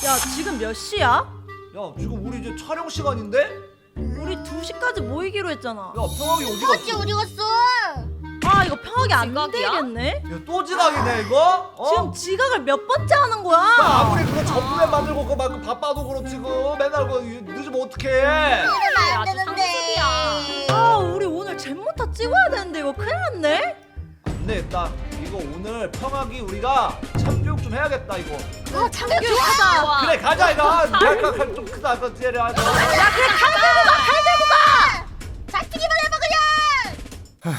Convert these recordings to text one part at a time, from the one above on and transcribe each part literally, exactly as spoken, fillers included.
야, 지금 몇 시야? 야 지금 우리 이제 촬영 시간인데? 우리 두 시까지 모이기로 했잖아. 야 평학이 어디 갔어? 어찌 어디 갔어? 아, 이거 평하기 안 지각이야? 되겠네? 야 또 지각이네 이거? 어? 지금 지각을 몇 번째 하는 거야? 야, 아무리 그거 전부에 만들고 그거 막 바빠도 그렇지 그 맨날 그 늦으면 어떡해. 이러면 안 아주 되는데. 상습이야. 아, 우리 오늘 잼모타 찍어야 되는데 이거 큰일 났네? 안 되겠다. 이거 오늘 평학이 우리가 참교육 좀 해야겠다 이거. 아 참교육 좋아하자. 좋아. 그래 가자 이거. 약간 좀 크다 그 쟤를 하자. 야 그래 칼 들고 가, 칼 들고 가. 잡히기만 해봐 그냥.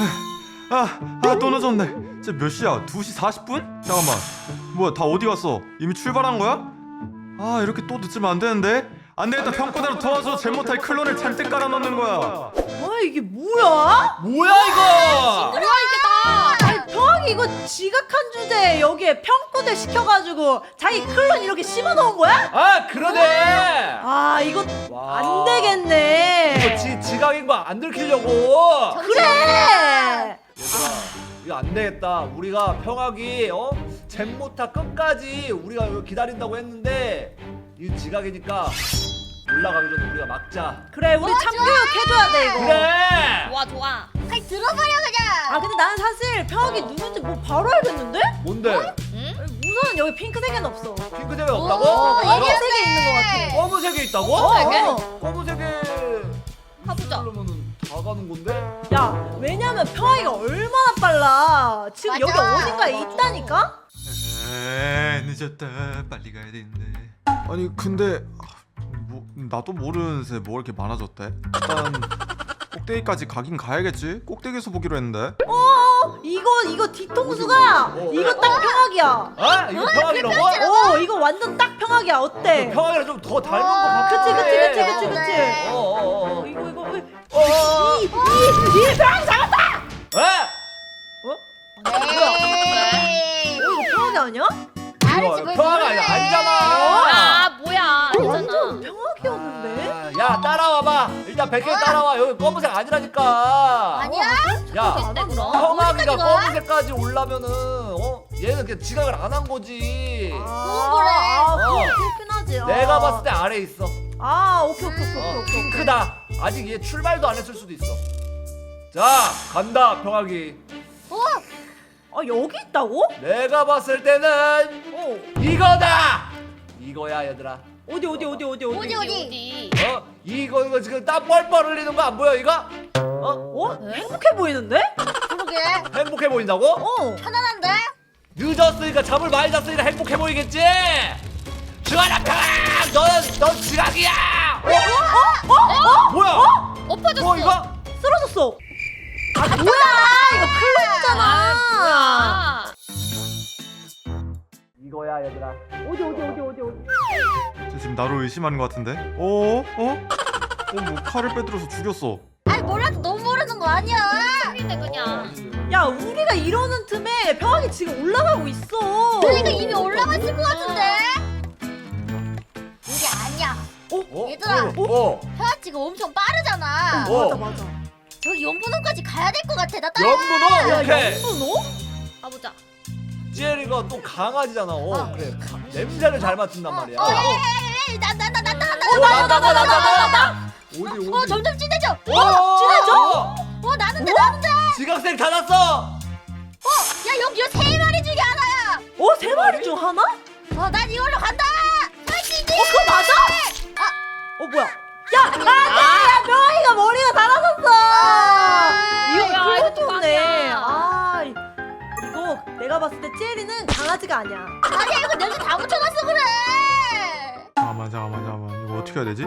아, 아, 또 늦었네. 진짜 몇 시야? 두 시 사십 분? 잠깐만. 뭐야, 다 어디 갔어? 이미 출발한 거야? 아, 이렇게 또 늦으면 안 되는데? 안 되겠다. 평가대로 도와서 제모타의 클론을 잔뜩 깔아놓는 거야. 아, 이게 뭐야? 뭐야 이거? 뭐야 이게 다. 아니, 평하기 이거 지각한 주제에 여기에 평가대 시켜가지고 자기 클론 이렇게 심어놓은 거야? 아 그러네. 아, 이거 와. 안 되겠네. 이거 지 지각인 거 안 들키려고. 그래! 얘들아 이거 안 되겠다. 우리가 평학이 어 잼모타 끝까지 우리가 이거 기다린다고 했는데 이 지각이니까 올라가기 전에 우리가 막자. 그래, 우리 참교육 해줘야 돼, 이거. 그래. 좋아 좋아. 칼 들어버려 그냥. 아, 근데 나는 사실 평하기 누군지 뭐 바로 알겠는데? 뭔데? 응? 우선 여기 핑크색은 없어. 핑크색이 오, 없다고? 검은색에 있는 것 같아. 검은색이 있다고? 어. 검은색에 가보자. 그러면은 다 가는 건데? 야, 왜냐면 평하기가 얼마나 빨라. 지금 맞아. 여기 어딘가에 있다니까? 에이, 늦었다. 빨리 가야 되는데. 아니, 근데 아, 뭐 나도 모르는 새 뭐 이렇게 많아졌대? 일단 꼭대기까지 가긴 가야겠지. 꼭대기에서 보기로 했는데. 어, 이거 이거 뒤통수가 어. 이거 딱 평하기야. 아 이거 평학이라고? 어, 이거 완전 딱 평하기야. 어때? 평학이랑 좀 더 닮은 거 같아. 그치, 그치, 그치, 그치, 그치. 네. 어어어. 어, 이거 이거 어, 어. 이, 이, 이 평하기 잡았다. 에? 어? 에이. 어, 이거 평하기 아니야? 알지 그걸 평화가 모르네. 아니잖아. 아 뭐야 완전 아니잖아. 평하기였는데. 아, 야 따라와봐. 일단 백개 따라와. 여기 검은색 아니라니까. 아니야? 야 됐대 그럼. 평학이가 어디까지 가? 검은색까지 올라면은 어 얘는 그냥 지각을 안 한 거지. 아, 그래. 아, 그거 어. 그렇긴 하지. 아. 내가 봤을 때 아래 있어. 아, 오케이 오케이 오케이 어, 오케이. 오케이. 핑크다. 아직 얘 출발도 안 했을 수도 있어. 자 간다 평학이. 어? 아, 여기 있다고? 내가 봤을 때는 어. 이거다. 이거야 얘들아. 어디 어디 어디 어디 어디? 어디, 어디? 어디? 어 이거 이거 지금 땀 뻘뻘 흘리는 거 안 보여 이거? 어 어? 행복해 보이는데? 그러게. 행복해 보인다고? 어. 편안한데? 늦었으니까 잠을 많이 잤으니까 행복해 보이겠지? 주하나 평아 너는 넌 지각이야. 어? 어? 어? 뭐야? 엎어졌어. 어 이거? 쓰러졌어. 아, 뭐야? 이거 클론이잖아. 아 뭐야? 이거야 얘들아. 어디 어디 어디 어디 어디? 쟤 지금 나를 의심하는 것 같은데? 어? 어? 어, 뭐 칼을 빼들어서 죽였어. 아니 몰라도 너무 모르는 거 아니야. 틀리네 그냥. 야, 우리가 이러는 틈에 평하기 지금 올라가고 있어. 그러니까 이미 올라갔을 것 같은데. 이게 아니야. 어? 얘들아. 어? 어? 평화 지금 엄청 빠르잖아. 어. 맞아 맞아. 저기 연분홍까지 가야 될 것 같아. 나 따라. 연분홍 야, 오케이. 연분호? 가보자. 찌엘이가 또 강아지잖아. 어 어. 그래. 냄새를 잘 맡는단 말이야. 어, 에이, 나나나 나 나 나 어, 나, 나, 나, 나, 나, 나. 어디 어디? 어 점점 진해져. 어, 진해져? 어 나는데 나는데. 지각생 다 났어. 어, 야 여기 세 마리 중에 하나야. 어, 세 마리 중 하나? 어, 어, 난 이걸로 간다. 파이팅! 그거 맞아? 어, 뭐야? 야, 아, 야, 평하기가 머리가 달아졌어. 아, 이거 야, 이거 또 클론이네. 꽝이야. 아, 이거 내가 봤을 때 찌엘이는 강아지가 아니야. 아니야 이거 냄새 다 묻혀놨어 그래. 잠깐만, 잠깐만, 잠깐만. 이거 어떻게 해야 되지?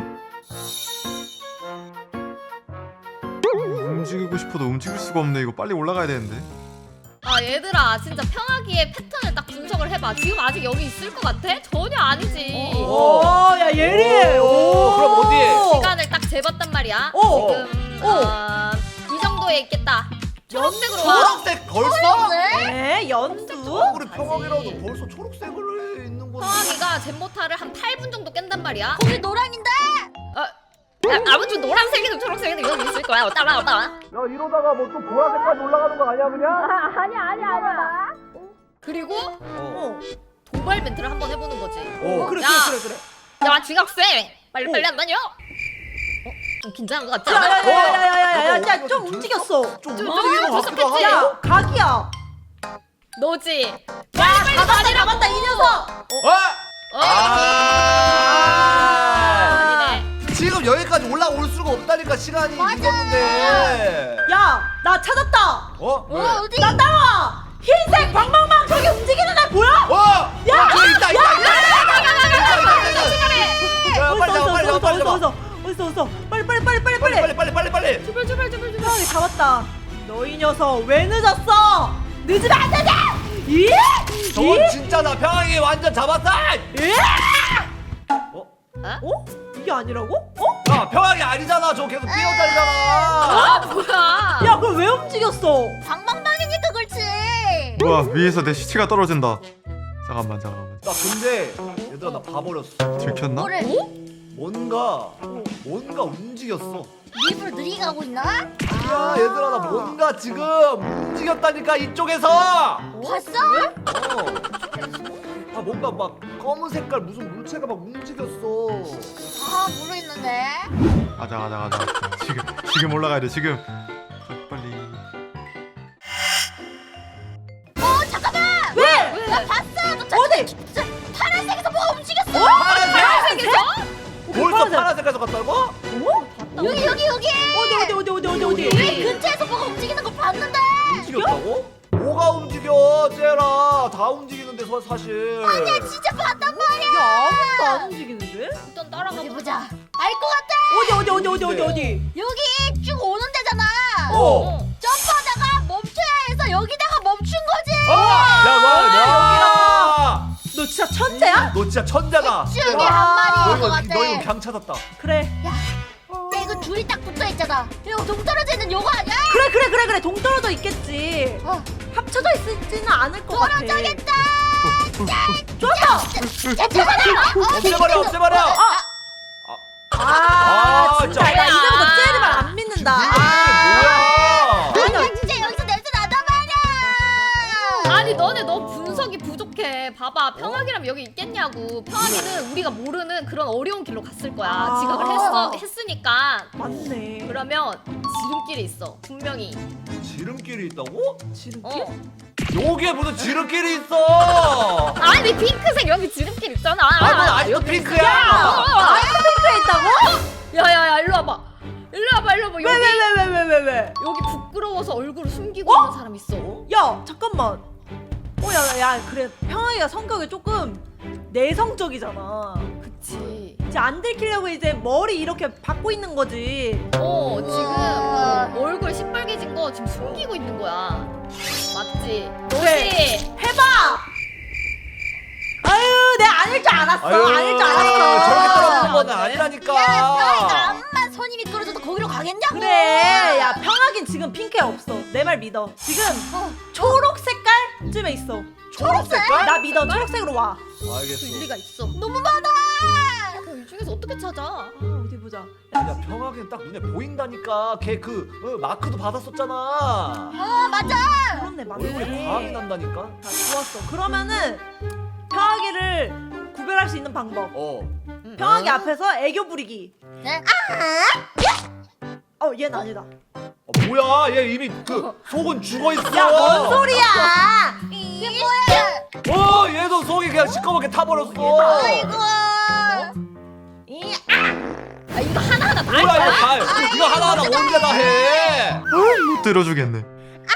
움직이고 싶어도 움직일 수가 없네. 이거 빨리 올라가야 되는데. 아 얘들아 진짜 평하기의 패턴을 딱 분석을 해봐. 지금 아직 여기 있을 것 같아? 전혀 아니지. 오, 야, 예리. 오, 오, 그럼 어디? 시간을 딱 재봤단 말이야. 오. 지금 오. 어, 이 정도에 있겠다. 초록색으로 와. 초록색 벌써? 네? 에, 연두? 우리 평학이라도 벌써 초록색을 있는 건데. 평하기가 젠모타를 한 팔 분 정도 깬단 말이야. 거기 노랑인데. 야, 아무튼 노란색이든 초록색이든 여기 있을 거야. 따라 따라. 야 이러다가 뭐 또 보라색까지 올라가는 거 아니야 그냥? 아니야 아니야 아니야. 그리고 어. 어. 도발 멘트를 한번 해보는 거지. 오. 그래 야. 그래 그래 그래. 야 중학생 빨리 빨리 오. 안 다녀? 어? 좀 긴장한 것 같지 않아? 야야야야야야야 좀 움직였어. 좀 좀 움직이는 것 같기도 무섭겠지? 하고. 야 각이야. 너지? 야 잡았다 잡았다 이 녀석. 어? 어? 아. 아니네. 지금 여기까지 올라올 수가 없다니까 시간이 맞아. 늦었는데. 야 나 찾았다. 어? 어 왜? 어디? 나 따라와. 흰색 방방방 저기 움직이는 애 보여? 어! 야! 어, 저기 있다 있다 있다. 야 어딨어 빨리 나와 빨리 나와 빨리 어딨어 나와. 어딨어 어딨어 어딨어 빨리 빨리 빨리 빨리 빨리 빨리. 빨리 빨리 빨리 빨리. 제발 제발 제발 제발. 형이 잡았다. 너 이 녀석 왜 늦었어? 늦으면 안 되지. 이? 저건 진짜 나 평양이 완전 잡았다. 이? 어? 어? 이게 아니라고? 어? 야 평양이 아니잖아. 저 계속 아 뛰어다니잖아. 뭐야? 야 그럼 왜 움직였어? 방방방이니까 그렇지. 우와 위에서 내 시체가 떨어진다. 잠깐만 잠깐만. 나 근데 얘들아 나 봐버렸어. 들켰나? 뭐래? 뭔가 뭔가 움직였어. 입으로 느리게 가고 있나? 야 얘들아 나 뭔가 지금 움직였다니까 이쪽에서. 봤어? 어. 아 뭔가 막 검은 색깔 무슨 물체가 막 움직였어. 아 모르겠는데. 가자 가자 가자. 지금 지금 올라가야 돼 지금. 빨리. 어 잠깐만. 왜? 나 봤어. 너 저, 어디? 저, 파란색에서 뭐가 움직였어. 파란색? 파란색에서? 벌써 파란색. 파란색에서 갔다고? 어? 여기 여기 여기. 어디 어디 어디 어디 어디 어디? 여기 근처에서 뭐가 움직이는 거 봤는데. 움직였다고? 뭐가 움직여 쟤라 다 움직이는데 서- 사실. 아니야 진짜 봤단 말이야. 야 아무것도 안 움직이는데? 일단 따라가 어디 보자. 보자. 알 것 같아. 어디 어디 어디 어디 어디 어디? 여기 쭉 오는 데잖아. 어. 점프하다가 멈춰야 해서 여기다가 멈춘 거지. 아! 야, 와, 야! 너 진짜 천재야? 너 진짜 천재다. 쭉이 와. 한 너 마리인 이거 것 같아. 너 이거 강 찾았다. 그래 야, 야 이거 줄이 딱 붙어 있잖아. 이거 동떨어져 있는 요거 아니야? 그래 그래 그래 그래 동떨어져 있겠지. 어, 합쳐져 있지는 않을 것 같아. 떨어져겠다. 좋았다. 야, 잠깐만. 없애버려, 없애버려. 아, 아, 진짜 진짜. 나 이제부터 쟤를 말 안 믿는다. 아, 뭐야? 아니 진짜 여기서 냄새 나단 말이야. 아니 너네 너무 분석이 부족해. 봐봐 평화기라면 여기 있겠냐고. 평화기는 우리가 모르는 그런 어려운 길로 갔을 거야. 아. 지각을 했어 했으니까. 맞네. 그러면 지름길이 있어 분명히. 지름길이 있다고? 지름길? 어. 여기에 무슨 지름길이 있어? 아니 핑크색 여기 지름길 있잖아. 아, 넌 아직도 핑크야. 아이스크림에 있다고? 야야야 일로 와봐. 일로 와봐 일로 와봐. 왜 여기 왜 왜 왜 왜 왜 왜? 여기 부끄러워서 얼굴을 숨기고 어? 있는 사람 있어. 야 잠깐만. 어야야 야, 그래 평화이가 성격이 조금 내성적이잖아. 그치. 이제 안 들키려고 이제 머리 이렇게 박고 있는 거지. 어 우와. 지금 얼굴 시뻘개진 거 지금 숨기고 있는 거야. 맞지? 그래. 너지? 해봐. 아유 내가 아닐 줄 알았어. 아유, 아닐 줄 저렇게 알았어. 떨어지는 건 야, 아니라니까. 야, 평이가 암만 손이 미끄러져도 거기로 가겠냐고. 그래 야 평하긴 지금 핑크에 없어. 내 말 믿어. 지금 어. 초록 색깔쯤에 있어. 초록 색깔? 나 믿어. 초록색으로 와. 그 알겠어. 일리가 있어. 너무 많아. 그럼 이 중에서 어떻게 찾아? 아, 어디 보자. 야 평화기는 딱 눈에 보인다니까. 걔 그 어, 마크도 받았었잖아. 아 맞아. 그렇네 얼굴이 맞네. 과학이 난다니까. 자, 좋았어. 그러면은 평하기를 구별할 수 있는 방법. 어. 평하기 앞에서 애교 부리기. 네? 어 얘는 아니다. 어, 뭐야? 얘 이미 그 속은 죽어 있어. 야 뭔 소리야? 이게 뭐야? 어, 얘도 속이 그냥 시꺼멓게 타버렸어. 아이고. 이 아 이거 하나하나 다 할 뭐야 이거 거야? 다 이거 하나하나 언제 다 해? 못 들어주겠네.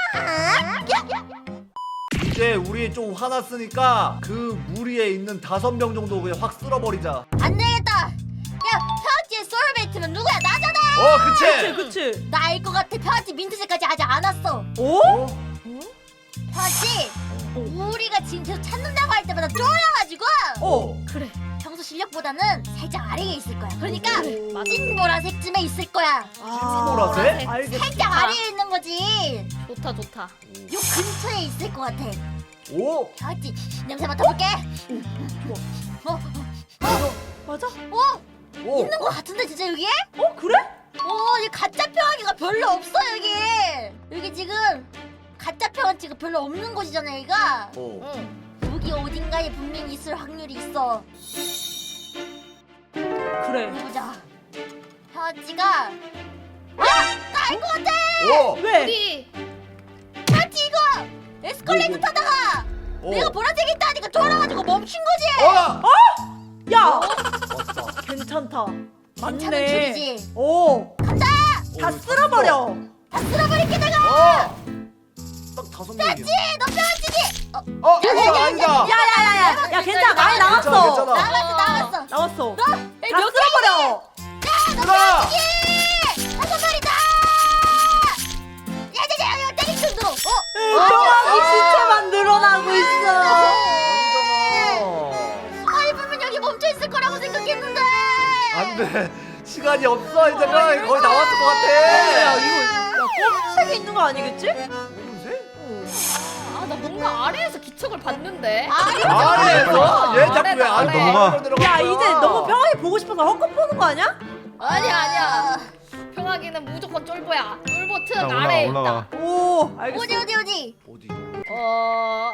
이제 우리 좀 화났으니까 그 무리에 있는 다섯 명 정도 그냥 확 쓸어버리자. 안 되겠다. 야 평지의 소울메이트면 누구야? 나잖아. 어, 그치 그치? 그치. 나 알 것 같아. 평지 민트색까지 아직 안 왔어. 오? 어? 평지 우리가 지금 계속 찾는다고 할 때마다 쫄아가지고 어. 그래. 평소 실력보다는 살짝 아래에 있을 거야. 그러니까 그래, 맞아. 찐보라색쯤에 있을 거야. 찐보라색? 알겠어. 살짝 좋다. 아래에 있는 거지. 좋다 좋다. 요 근처에 있을 것 같아. 오? 평지 냄새 맡아볼게. 어? 어? 어? 맞아? 어? 오? 있는 것 같은데 진짜 여기에? 어 그래? 어, 이 가짜 평화기가 별로 없어 여기. 여기 지금 가짜 평화지가 별로 없는 곳이잖아 여기가. 어. 응. 여기 어딘가에 분명히 있을 확률이 있어. 그래. 어디 보자. 현지가 아! 나 알 것 같아! 오! 왜? 어디? 현지 이거! 에스컬레이터 뭐, 뭐. 타다가 오. 내가 보라색이 있다니까 돌아가지고 멈춘 거지! 어! 야, 왔다. 괜찮다. 괜찮은 맞네. 줄이지. 오, 간다! 다 쓸어버려. 다 쓸어버릴게 내가! 어! 딱 다섯 명이야. 현지! 너 편지지! 어, 어! 아니다 아니다! 야야야야, 야 괜찮아, 많이 괜찮아, 나왔어. 괜찮아. 나갔어 나갔어! 나왔어. 너! 다 쓸어버려. 얘들아! 다섯 마리다! 야야야 이거 때릴 정도로! 어? 평화기 시체만 늘어나고 있어. 아니 분명 여기 멈춰있을 거라고 생각했는데! 안돼. 시간이 없어. 이제 평화기 거의 다 왔을 것 같아. 야 이거, 야 검은색이 있는 거 아니겠지? 검은색? 아 나 뭔가 아래에서 기척을 봤는데. 아래에서? 얘 자꾸 왜 아래다, 아래 아래. 넘어가. 들어간 야 거야? 이제 너무 평화기 보고 싶어서 헛것 보는 거 아니야? 아니야 아니야. 평화기는 무조건 쫄보야. 쫄보 틈 야, 올라가, 아래에 올라가. 있다. 오, 알겠어. 어디 어디 어디? 어디? 어...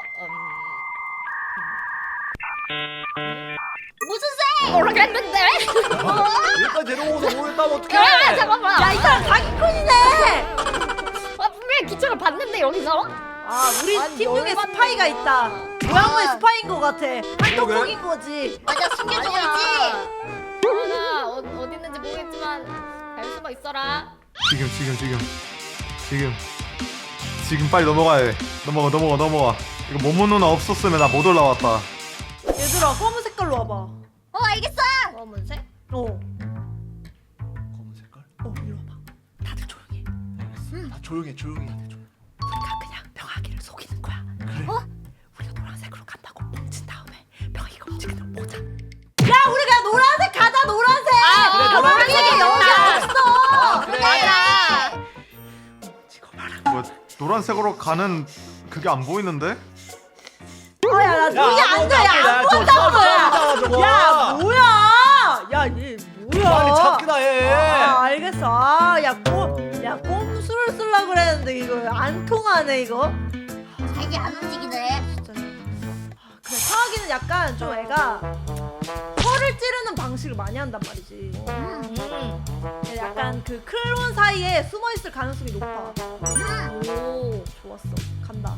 무슨 색? 음... 모르겠는데? 여기까지 데려오고서 모르겠다면 어떡해? 아 잠깐만. 야 이 사람 사기꾼이네. 아 분명히 기척을 봤는데 여기서? 아 우리 아니, 팀 중에 열받네. 스파이가 있다. 모양의 스파인 거 같아. 한동복인 그러게? 거지. 맞아 숨겨주고 있지? 아나 어, 어디 있는지 모르겠지만 잘 숨어 있어라. 지금 지금 지금 지금 지금 빨리 넘어가야 돼. 넘어가 넘어가 넘어가. 이거 모모 누나 없었으면 나 못 올라왔다. 얘들아 검은 색깔로 와봐. 어 알겠어! 검은색? 어, 검은 색깔? 어 이리 와봐. 다들 조용히 해. 다 조용해 조용히. 우리가 그냥 병아기를 속이는 거야. 그래? 어? 우리가 노란색으로 간다고 뭉친 다음에 병아기가 움직이는 거 보자. 야 우리 그냥 노란색 가자 노란색. 아, 그래, 병아기 노란색이 여기 있다. 없어. 아, 그래. 맞아. 지금 말아. 뭐 노란색으로 가는 그게 안 보이는데? 어야 나 눈이 안 돼. 야 저 아무것도 처음 안 보여. 처음이잖아 저거. 야 뭐야? 야 얘 뭐야? 빨리 찾기나 해. 아 알겠어. 아야꼼야 꼼수를 쓰려 그랬는데 이거 안 통하네 이거. 자기 안 움직이네. 진짜. 아, 그래 평화기는 약간 좀 애가 혀를 찌르는 방식을 많이 한단 말이지. 음. 약간 그 클론 사이에 숨어 있을 가능성이 높아. 오. 좋았어. 간다.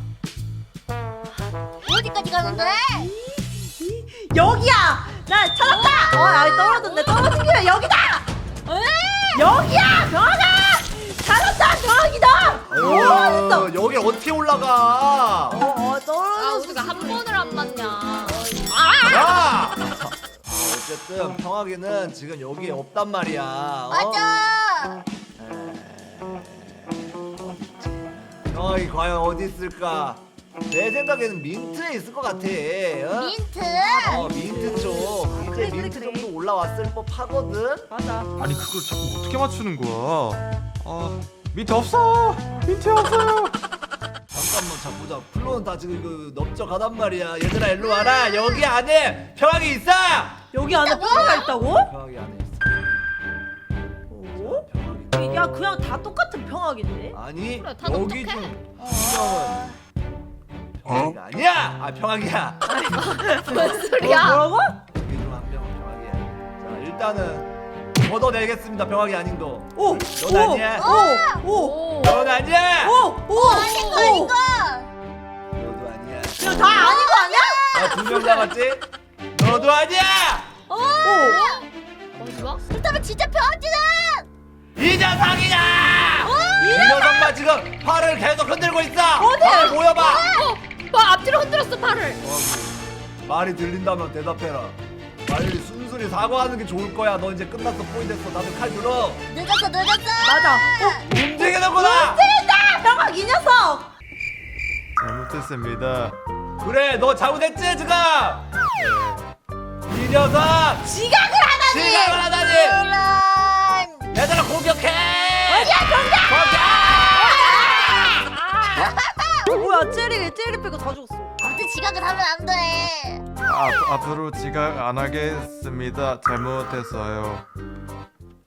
어디까지 가는데? 여기야. 나 찾았다. 어, 아이 떨어졌네. 떨어진 게 여기다. 여기야. 병아가. 찾았다. 병아기다. 오, 됐어. 어, 여기 어떻게 올라가? 어, 어 아 떨어졌어. 우리가 한 번을 안 맞냐. 야! 아, 어쨌든 평화기는 지금 여기에 없단 말이야. 어? 맞아. 평화기 과연 어디 있을까? 내 생각에는 민트에 있을 것 같아. 어? 민트. 어, 민트 쪽. 이제 그래, 그래, 민트 그래. 정도 올라왔을 법하거든. 맞아. 아니 그걸 자꾸 어떻게 맞추는 거야? 아 밑에 없어. 밑에 없어요. 잠깐만 잠보자. 플로는 다 지금 이거 넓적하단 말이야. 얘들아 일로 와라. 여기 안에 평화기 있어. 여기 안에 평화가 있다고? 평화기 안에 있어. 오? 평화기. 야 그냥 다 똑같은 평화기인데? 아니 그래, 다 여기 넓적해. 중 분명은 평화기가 아니야. 아 평화기야. 뭔 소리야? 뭐라고? 여기 중 한 명은 평화기야. 자 일단은 걷어내겠습니다. 평화기 아닌 거. 오! 넌 아니야. 오! 오! 오. 넌 아니야. 오! 오! 아닌 거 아닌 거. 너도 아니야. 이거 다 아닌 거 아니야? 나 두 명 남았지? 너도 아니야. 오! 어디 봐? 그렇다면 진짜 병아지는 이 녀석이야. 이 녀석만 지금 팔을 계속 흔들고 있어. 어디? 팔을 모여봐. 어, 뭐 앞뒤로 흔들었어 팔을. 말이 들린다면 대답해라. 빨리 순순히 사과하는 게 좋을 거야. 너 이제 끝났어. 포인 됐어. 다들 칼 들어. 늦었어 늦었어. 맞아. 어? 움직이는구나. 틀린다! 병학 이 녀석! 잘못했습니다. 그래, 너 잘못했지 지금. 이 녀석. 지각을 하다니! 시작을 하다니. 그런. 얘들아 공격해. 어디야 병장! 공격. 뭐야 찌리 찌리 빼고 다 죽었어. 아무튼 지각을 하면 안 돼. 아, 앞으로 지각 안 하겠습니다. 잘못했어요.